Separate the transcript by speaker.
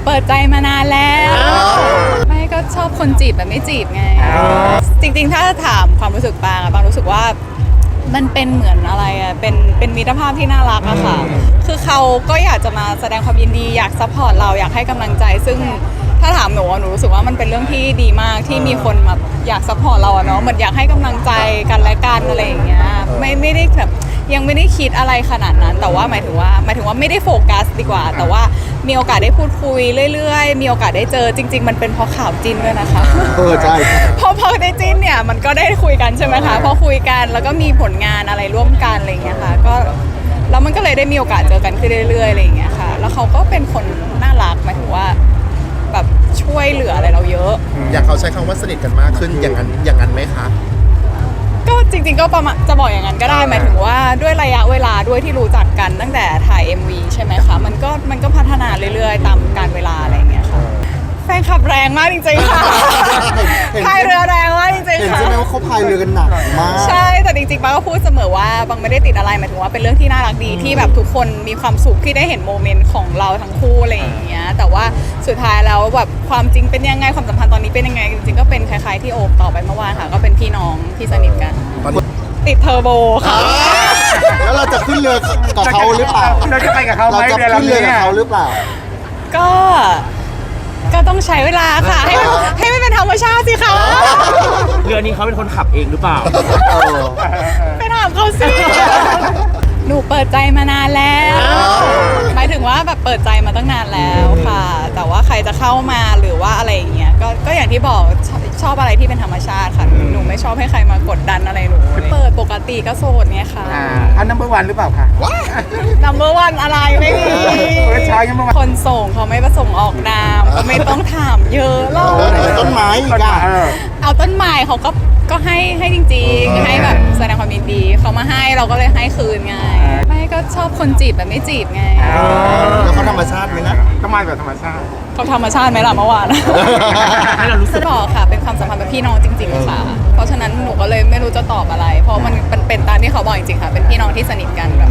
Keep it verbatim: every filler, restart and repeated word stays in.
Speaker 1: เปิดใจมานานแล้วไม่ก็ชอบคนจีบแบบไม่จีบไงจริงๆถ้าถามความรู้สึกปางอะปางรู้สึกว่ามันเป็นเหมือนอะไรอะเป็นเป็นมิตรภาพที่น่ารักอะค่ะคือเขาก็อยากจะมาแสดงความยินดีอยากซัพพอร์ตเราอยากให้กำลังใจซึ่งถ้าถามหนูหนูรู้สึกว่ามันเป็นเรื่องที่ดีมากที่มีคนมาอยากซัพพอร์ตเราอะเนาะเหมือนอยากให้กำลังใจกันและกันอะไรอย่างเงี้ยไม่ไม่ได้แบบยังไม่ได้คิดอะไรขนาดนั้นแต่ว่าหมายถึงว่าหมายถึงว่าไม่ได้โฟกัสดีกว่าแต่ว่ามีโอกาสได้พูดคุยเรื่อยๆมีโอกาสได้เจอจริงๆมันเป็นเพราะข่าวจิ้นด้วยนะคะ
Speaker 2: เออใช่
Speaker 1: พอพอได้จิ้นเนี่ยมันก็ได้คุยกันใช่ไหมคะพอคุยกันแล้วก็มีผลงานอะไรร่วมกันอะไรอย่างเงี้ยค่ะก็แล้วมันก็เลยได้มีโอกาสเจอกันขึ้นเรื่อยๆอะไรอย่างเงี้ยค่ะแล้วเขาก็เป็นคนน่ารักหมายถึงว่าแบบช่วยเหลืออะไรเราเยอะ
Speaker 3: อย่างเขาใช้คำว่าสนิทกันมากขึ้นอย่างนั้นอย่างนั้นไหมคะ
Speaker 1: ก็จริงๆก็ประมาณจะบอกอย่างนั้นก็ได้หมายถึงว่าด้วยระยะเวลาด้วยที่รู้จักกันตั้งแต่ถ่าย เอ็ม วี ใช่ไหมคะมันก็มันก็พัฒนาเรื่อยๆตามกาลเวลาอะไรอย่างเงี้ยค่ะแฟนขับแรงมากจริงๆค่ะพายเรือแรงมากจริงๆค่ะ
Speaker 2: เห็นใช่ไหมว่าเขาพายเรือกันหนักมาก
Speaker 1: ใช่แต่จริงๆป้าก็พูดเสมอว่าบางไม่ได้ติดอะไรหมายถึงว่าเป็นเรื่องที่น่ารักดีที่แบบทุกคนมีความสุขที่ได้เห็นโมเมนต์ของเราทั้งคู่อะไรอย่างเงี้ยแต่ว่าสุดท้ายแล้วแบบความจริงเป็นยังไงความสัมพันธ์ตอนนี้เป็นยังไงจริงๆก็เป็นคล้ายๆที่โอบตอบไปเมื่อวานค่ะก็เป็นพี่น้องที่สนิทกันติดเทอร์โบค่ะ
Speaker 2: แล้วเราจะขึ้นเรือกับเขาหรือเปล่า
Speaker 4: เราจะไปกับเขาไหม
Speaker 2: เราจะขึ้นเรือกับเขาหรือเปล่า
Speaker 1: ก็ก็ต้องใช้เวลาค่ะให้มันให้มันเป็นธรรมชาติสิคะ
Speaker 4: เรือนี้เขาเป็นคนขับเองหรือเปล่า
Speaker 1: ไปถามเขาสิหนูเปิดใจมานานแล้วหมายถึงว่าแบบเปิดใจมาตั้งนานแล้วค่ะแต่ว่าใครจะเข้ามาหรือว่าอะไรอย่างเงี้ยก็ก็อย่างที่บอกชอบชอบอะไรที่เป็นธรรมชาติค่ะหนูไม่ชอบให้ใครมากดดันอะไรหนูเปิดปกติก็โสดไงค่ะ
Speaker 4: อันนัมเบอร์วันหรือเปล่าคะ
Speaker 1: number one อะไรไม่มีคนส่งเขาไม่ประสงค์ออกนามก็ไม่ต้องถามเยอะหรอก
Speaker 2: ต้นไม้อีกอ่ะ
Speaker 1: เอาต้นไม้เขาก็ก็ให้ให้จริงๆให้แบบแสดงความยินดีเขามาให้เราก็เลยให้คืนไงไม่ก็ชอบคนจีบแบบไม่จีบไง
Speaker 2: แล้วเขาธรรมชาติไหมนะ
Speaker 4: ก็มาแบบธรรมชาติ
Speaker 1: เขาธรรมชาติไหมล่ะเมื่อวาน
Speaker 4: ให้เรารู้สึก
Speaker 1: บอกค่ะเป็นความสัมพันธ์แบบพี่น้องจริงๆค่ะเพราะฉะนั้นหนูก็เลยไม่รู้จะตอบอะไรเพราะมันเป็นตามที่เขาบอกจริงๆค่ะเป็นพี่น้องที่สนิทกันแบบ